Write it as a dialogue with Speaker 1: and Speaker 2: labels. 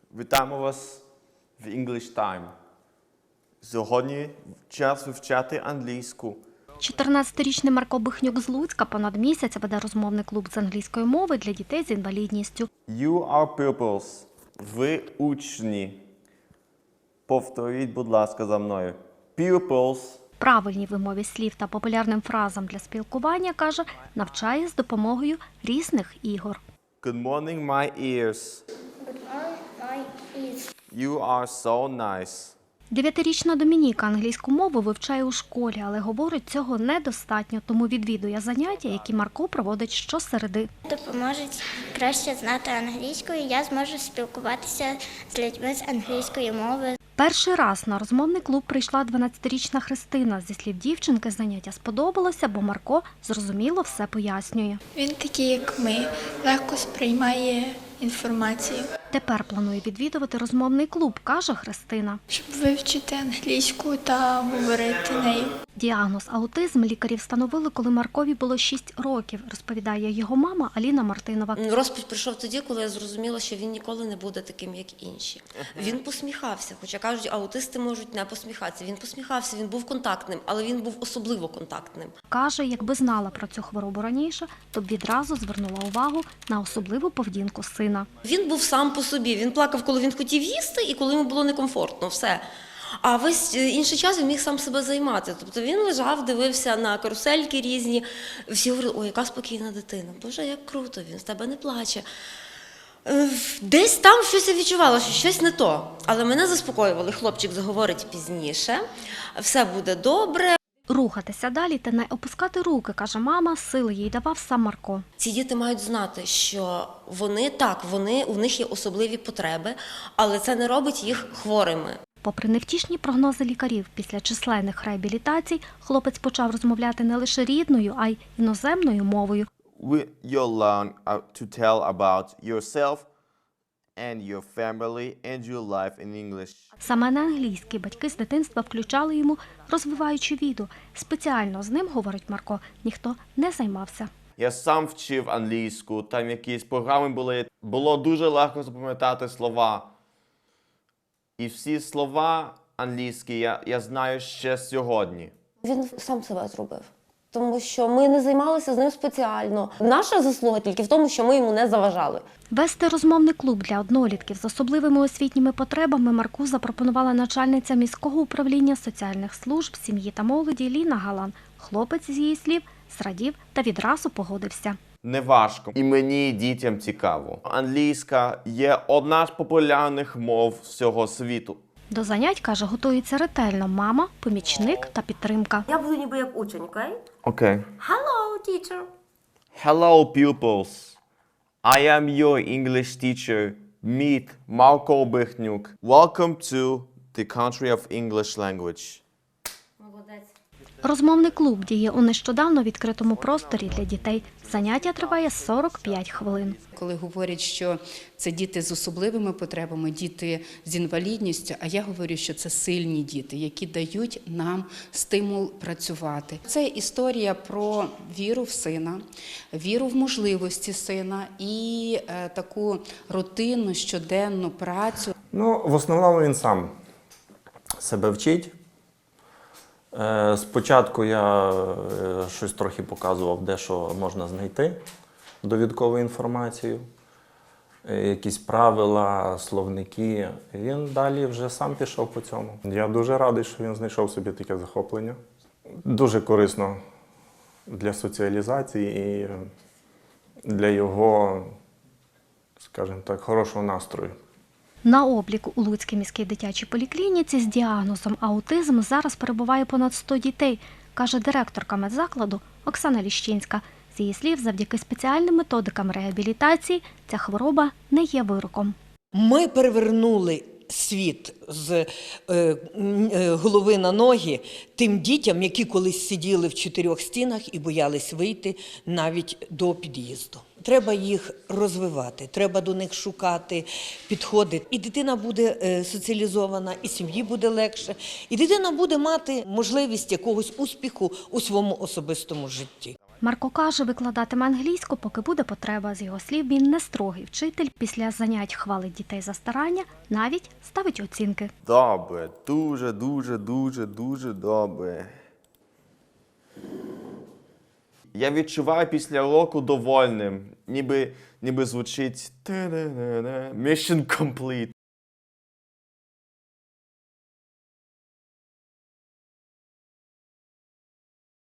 Speaker 1: Вітаємо вас в English Time. Сьогодні час вивчати англійську.
Speaker 2: 14-річний Марко Бихнюк з Луцька понад місяць веде розмовний клуб з англійської мови для дітей з інвалідністю.
Speaker 1: You are pupils. Ви учні. Повторіть, будь ласка, за мною. Pupils.
Speaker 2: Правильній вимові слів та популярним фразам для спілкування, каже, навчає з допомогою різних ігор.
Speaker 1: Good morning, my ears. You are so nice.
Speaker 2: 9-річна Домініка англійську мову вивчає у школі, але говорить, цього недостатньо, тому відвідує заняття, які Марко проводить щосереди.
Speaker 3: Допоможуть краще знати англійську, і я зможу спілкуватися з людьми з англійської мови.
Speaker 2: Перший раз на розмовний клуб прийшла 12-річна Христина. Зі слів дівчинки, заняття сподобалося, бо Марко зрозуміло все пояснює.
Speaker 4: Він такий, як ми, легко сприймає інформацію.
Speaker 2: Тепер планує відвідувати розмовний клуб, каже Христина.
Speaker 4: Щоб вивчити англійську та говорити нею.
Speaker 2: Діагноз аутизм лікарі встановили, коли Маркові було 6 років, розповідає його мама Аліна Мартинова.
Speaker 5: Розпач прийшов тоді, коли я зрозуміла, що він ніколи не буде таким, як інші. Він посміхався, хоча кажуть, аутисти можуть не посміхатися. Він посміхався, він був контактним, але він був особливо контактним.
Speaker 2: Каже, якби знала про цю хворобу раніше, то б відразу звернула увагу на особливу поведінку сина.
Speaker 5: Він був сам по собі, він плакав, коли він хотів їсти і коли йому було некомфортно, все. А весь інший час він міг сам себе займати. Тобто він лежав, дивився на карусельки різні. Всі говорили, ой, яка спокійна дитина. Боже, як круто, він з тебе не плаче. Десь там щось я відчувала, що щось не то. Але мене заспокоювали, хлопчик заговорить пізніше, все буде добре.
Speaker 2: Рухатися далі та не опускати руки, каже мама, сили їй давав сам Марко.
Speaker 5: Ці діти мають знати, що у них є особливі потреби, але це не робить їх хворими.
Speaker 2: Попри невтішні прогнози лікарів, після численних реабілітацій хлопець почав розмовляти не лише рідною, а й іноземною мовою.
Speaker 1: You'll learn to tell about yourself and your family and your life in English.
Speaker 2: Саме на англійській батьки з дитинства включали йому розвиваючі відео. Спеціально з ним, говорить Марко, ніхто не займався.
Speaker 1: Я сам вчив англійську, там якісь програми були. Було дуже легко запам'ятати слова. І всі слова англійські я знаю ще сьогодні.
Speaker 5: Він сам себе зробив, тому що ми не займалися з ним спеціально. Наша заслуга тільки в тому, що ми йому не заважали.
Speaker 2: Вести розмовний клуб для однолітків з особливими освітніми потребами Марку запропонувала начальниця міського управління соціальних служб, сім'ї та молоді Ліна Галан. Хлопець, з її слів, зрадів та відразу погодився.
Speaker 1: Не важко. І мені, і дітям цікаво. Англійська є одна з популярних мов всього світу.
Speaker 2: До занять, каже, готується ретельно мама, помічник та підтримка.
Speaker 5: Я буду ніби як учень, окей?
Speaker 1: Окей.
Speaker 5: Hello, teacher.
Speaker 1: Hello, pupils. I am your English teacher. Meet Marko Bihnyuk. Welcome to the country of English language.
Speaker 5: Молодець.
Speaker 2: Розмовний клуб діє у нещодавно відкритому просторі для дітей. Заняття триває 45 хвилин.
Speaker 6: Коли говорять, що це діти з особливими потребами, діти з інвалідністю, а я говорю, що це сильні діти, які дають нам стимул працювати. Це історія про віру в сина, віру в можливості сина і таку рутинну, щоденну працю.
Speaker 7: В основному він сам себе вчить. Спочатку я щось трохи показував, де що можна знайти, довідкову інформацію, якісь правила, словники. Він далі вже сам пішов по цьому. Я дуже радий, що він знайшов собі таке захоплення. Дуже корисно для соціалізації і для його, скажімо так, хорошого настрою.
Speaker 2: На обліку у Луцькій міській дитячій поліклініці з діагнозом аутизм зараз перебуває понад 100 дітей, каже директорка медзакладу Оксана Ліщинська. З її слів, завдяки спеціальним методикам реабілітації ця хвороба не є вироком.
Speaker 8: Ми перевернули світ з голови на ноги тим дітям, які колись сиділи в 4 стінах і боялись вийти навіть до під'їзду. Треба їх розвивати, треба до них шукати підходи. І дитина буде соціалізована, і сім'ї буде легше, і дитина буде мати можливість якогось успіху у своєму особистому житті.
Speaker 2: Марко каже, викладатиме англійську, поки буде потреба. З його слів, він не строгий вчитель. Після занять хвалить дітей за старання, навіть ставить оцінки.
Speaker 1: Добре, дуже, дуже, дуже, дуже добре. Я відчуваю після уроку довольним, ніби звучить Mission complete.